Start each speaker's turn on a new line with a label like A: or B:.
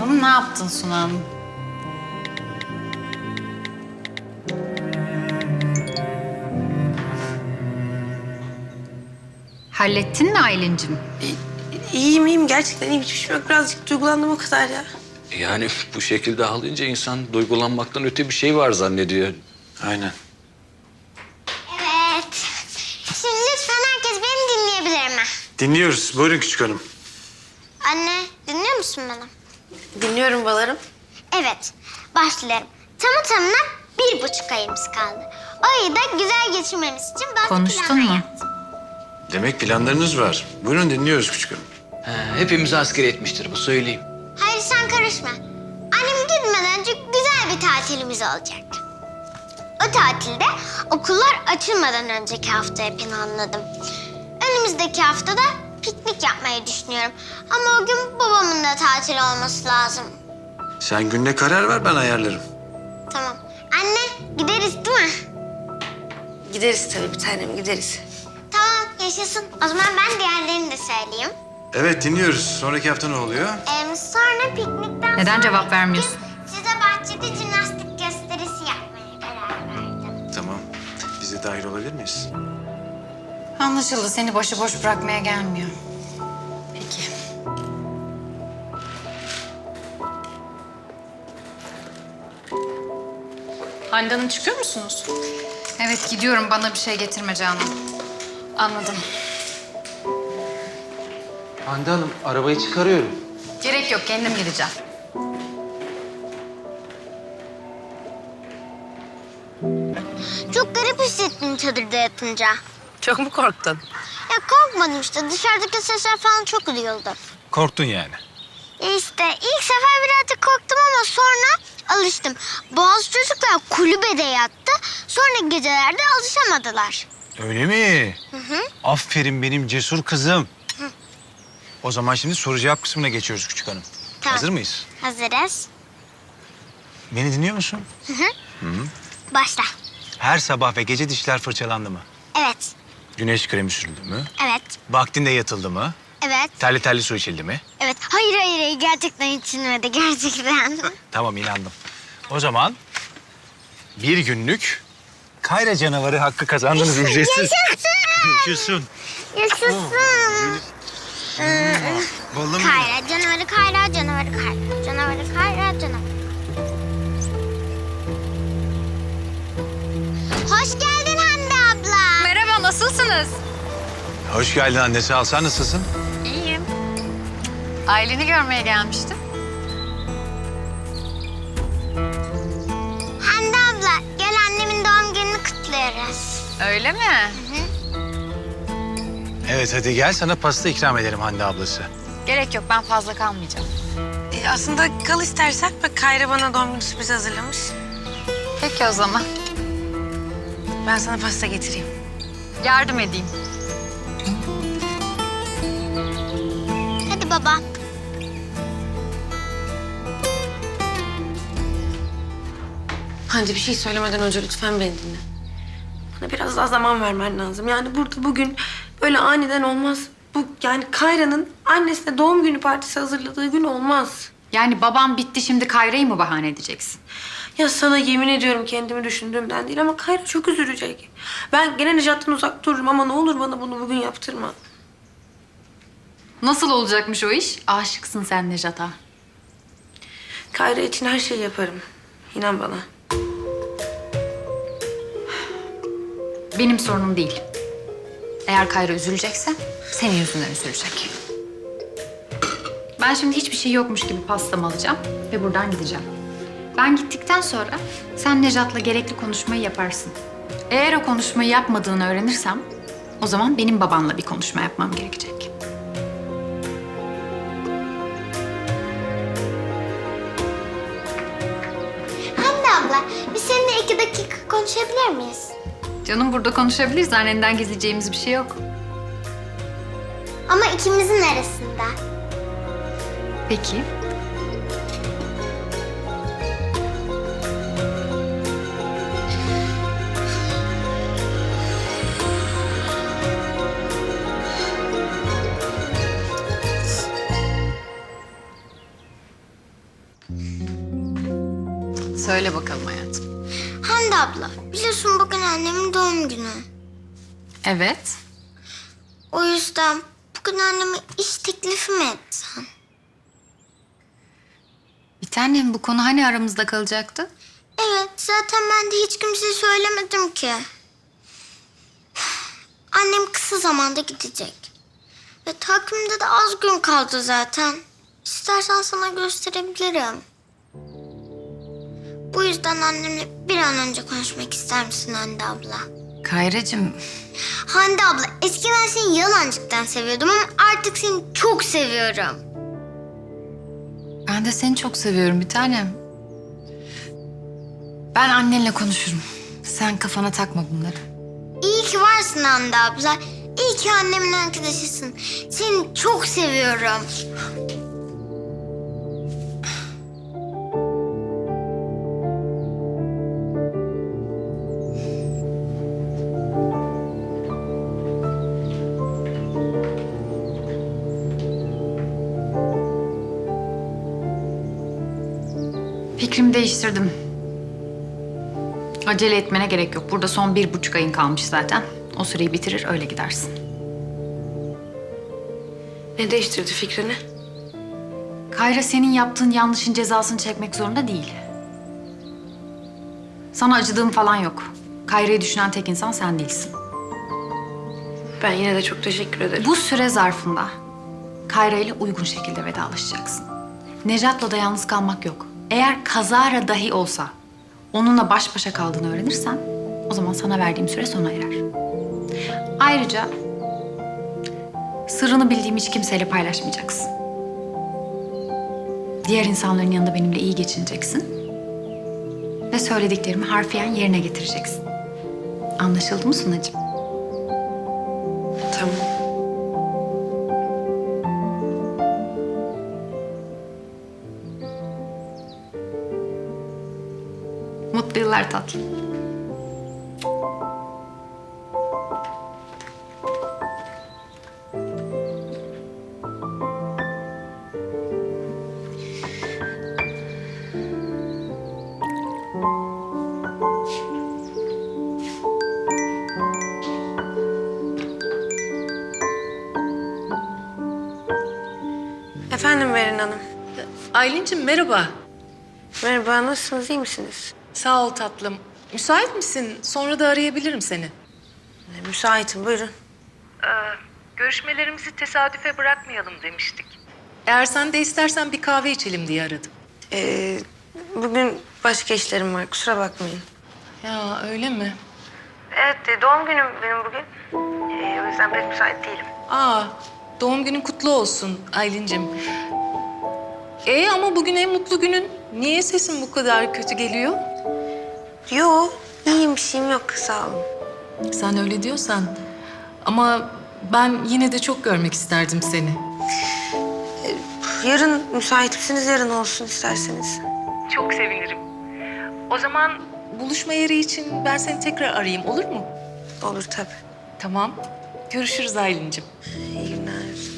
A: Bakalım ne yaptın Suna Hanım? Hallettin mi Aylin'cim?
B: İyiyim. Gerçekten iyiyim. Hiçbir şey yok. Birazcık duygulandım o kadar ya.
C: Yani bu şekilde ağlayınca insan duygulanmaktan öte bir şey var zannediyor.
D: Aynen.
E: Evet. Şimdi lütfen herkes beni dinleyebilir mi?
D: Dinliyoruz. Buyurun küçük hanım.
E: Anne, dinliyor musun beni?
B: Dinliyorum balarım.
E: Evet, başlıyorum. Tamı tamına 1,5 ayımız kaldı. O ayı da güzel geçirmemiz için bazı
A: Konuştun
E: planlar
A: mu?
E: yaptım.
D: Demek planlarınız var. Buyurun dinliyoruz küçük hanım.
C: Hepimizi asker etmiştir bu, söyleyeyim.
E: Hayır sen karışma. Annem gitmeden önce güzel bir tatilimiz olacak. O tatilde okullar açılmadan önceki haftaya planladım. Önümüzdeki haftada piknik yapmayı düşünüyorum. Ama o gün babamın da tatil olması lazım.
D: Sen gününe karar ver, ben ayarlarım.
E: Tamam. Anne gideriz değil mi?
B: Gideriz tabii bir tanem gideriz.
E: Tamam yaşasın. O zaman ben diğerlerini de söyleyeyim.
D: Evet dinliyoruz. Sonraki hafta ne oluyor?
E: Sonra piknikten
A: Neden
E: sonra
A: cevap vermiyorsun?
E: size bahçede jimnastik gösterisi yapmaya karar verdim.
D: Tamam. Biz de dahil olabilir miyiz?
A: Anlaşıldı. Seni başıboş bırakmaya gelmiyor. Peki.
F: Hande Hanım çıkıyor musunuz?
A: Evet gidiyorum. Bana bir şey getirme Canan.
F: Anladım.
G: Hande Hanım, arabayı çıkarıyorum.
A: Gerek yok. Kendim gideceğim.
E: Çok garip hissettim çadırda yatınca.
B: Çok mu korktun?
E: Ya korkmadım işte. Dışarıdaki sesler falan çok duyuldu.
D: Korktun yani.
E: İşte ilk sefer birazcık korktum ama sonra alıştım. Bazı çocuklar kulübede yattı. Sonra gecelerde alışamadılar.
D: Öyle mi? Aferin benim cesur kızım. O zaman şimdi soru cevap kısmına geçiyoruz küçük hanım.
E: Tamam.
D: Hazır mıyız?
E: Hazırız.
D: Beni dinliyor musun?
E: Başla.
D: Her sabah ve gece dişler fırçalandı mı?
E: Evet.
D: Güneş kremi sürüldü mü?
E: Evet.
D: Vaktinde yatıldı mı?
E: Evet.
D: Terli terli su içildi mi?
E: Evet. Hayır. Gerçekten içilmedi. Gerçekten.
D: Tamam inandım. O zaman bir günlük Kayra canavarı hakkı kazandınız ücretsiz. Yaşasın.
E: Yaşasın.
D: Balım.
E: Kayra canavarı, Kayra canavarı, Kayra canavarı, Kayra canavarı. Hoş geldin Hande abla.
A: Merhaba. Nasılsınız?
D: Hoş geldin anne, sağ ol. Sen nasılsın?
A: İyiyim. Aylin'i görmeye gelmiştim.
E: Hande abla gel annemin doğum gününü kutluyoruz.
A: Öyle mi?
D: Evet hadi gel, sana pasta ikram ederim Hande ablası.
A: Gerek yok. Ben fazla kalmayacağım.
B: Aslında kal istersen. Bak Kayra bana doğum günü sürprizi hazırlamış.
A: Peki o zaman.
B: Ben sana pasta getireyim.
A: Yardım edeyim.
E: Hadi baba.
B: Hande bir şey söylemeden önce lütfen beni dinle. Bana biraz daha zaman vermen lazım. Yani burada bugün böyle aniden olmaz. Bu yani Kayra'nın annesine doğum günü partisi hazırladığı gün olmaz.
A: Yani babam bitti şimdi Kayra'yı mı bahane edeceksin?
B: Ya sana yemin ediyorum kendimi düşündüğümden değil ama Kayra çok üzülecek. Ben gene Nejat'tan uzak dururum ama ne olur bana bunu bugün yaptırma.
A: Nasıl olacakmış o iş? Aşıksın sen Nejat'a.
B: Kayra için her şeyi yaparım. İnan bana.
A: Benim sorunum değil. Eğer Kayra üzülecekse senin yüzünden üzülecek. Ben şimdi hiçbir şey yokmuş gibi pastamı alacağım ve buradan gideceğim. Ben gittikten sonra sen Nejat'la gerekli konuşmayı yaparsın. Eğer o konuşmayı yapmadığını öğrenirsem o zaman benim babanla bir konuşma yapmam gerekecek.
E: Hande abla biz seninle 2 dakika konuşabilir miyiz?
A: Canım burada konuşabiliriz. Annenden gizleyeceğimiz bir şey yok.
E: Ama ikimizin arasında.
A: Peki. Söyle bakalım hayatım.
E: Hande abla, biliyorsun bugün annemin doğum günü.
A: Evet.
E: O yüzden bugün anneme iş teklifi mi etsen?
A: Bir tanem, bu konu hani aramızda kalacaktı?
E: Evet, zaten ben de hiç kimseye söylemedim ki. Annem kısa zamanda gidecek. Ve takvimde de az gün kaldı zaten. İstersen sana gösterebilirim. Bu yüzden annemle bir an önce konuşmak ister misin Hande abla?
A: Kayracığım,
E: Hande abla, eskiden seni yalancıktan seviyordum ama artık seni çok seviyorum.
A: ben de seni çok seviyorum bir tanem. Ben annenle konuşurum. Sen kafana takma bunları.
E: İyi ki varsın Hande abla. İyi ki annemin arkadaşısın. Seni çok seviyorum.
A: Fikrimi değiştirdim. Acele etmene gerek yok. Burada son 1,5 ayın kalmış zaten. O süreyi bitirir, öyle gidersin.
B: Ne değiştirdi fikrini?
A: Kayra senin yaptığın yanlışın cezasını çekmek zorunda değil. Sana acıdığım falan yok. Kayra'yı düşünen tek insan sen değilsin.
B: Ben yine de çok teşekkür ederim.
A: Bu süre zarfında Kayra ile uygun şekilde vedalaşacaksın. Nejat'la da yalnız kalmak yok. Eğer kazara dahi olsa onunla baş başa kaldığını öğrenirsen o zaman sana verdiğim süre sona erer. Ayrıca sırrını bildiğim hiç kimseyle paylaşmayacaksın. Diğer insanların yanında benimle iyi geçineceksin. Ve söylediklerimi harfiyen yerine getireceksin. Anlaşıldı mı Sunacığım?
B: Tamam.
A: Mutlu yıllar tatlım.
B: Efendim Berin Hanım.
F: Aylin'cim merhaba.
B: Merhaba, nasılsınız, iyi misiniz?
F: Sağ ol tatlım. Müsait misin? Sonra da arayabilirim seni.
B: Müsaitim, buyurun.
F: Görüşmelerimizi tesadüfe bırakmayalım demiştik. Eğer sen de istersen bir kahve içelim diye aradım.
B: Bugün başka işlerim var, kusura bakmayın.
F: Ya öyle mi?
B: Evet, doğum günüm benim bugün. O yüzden pek müsait değilim.
F: Aa, doğum günün kutlu olsun Aylin'cim. Ama bugün en mutlu günün. Niye sesin bu kadar kötü geliyor?
B: Yo, iyiyim, bir şeyim yok, sağ olun.
F: Sen öyle diyorsan. Ama ben yine de çok görmek isterdim seni.
B: Yarın müsait misiniz? Yarın olsun isterseniz.
F: Çok sevinirim. O zaman buluşma yeri için ben seni tekrar arayayım, olur mu?
B: Olur tabii.
F: Tamam. Görüşürüz Aylin'cim.
B: İyi günler.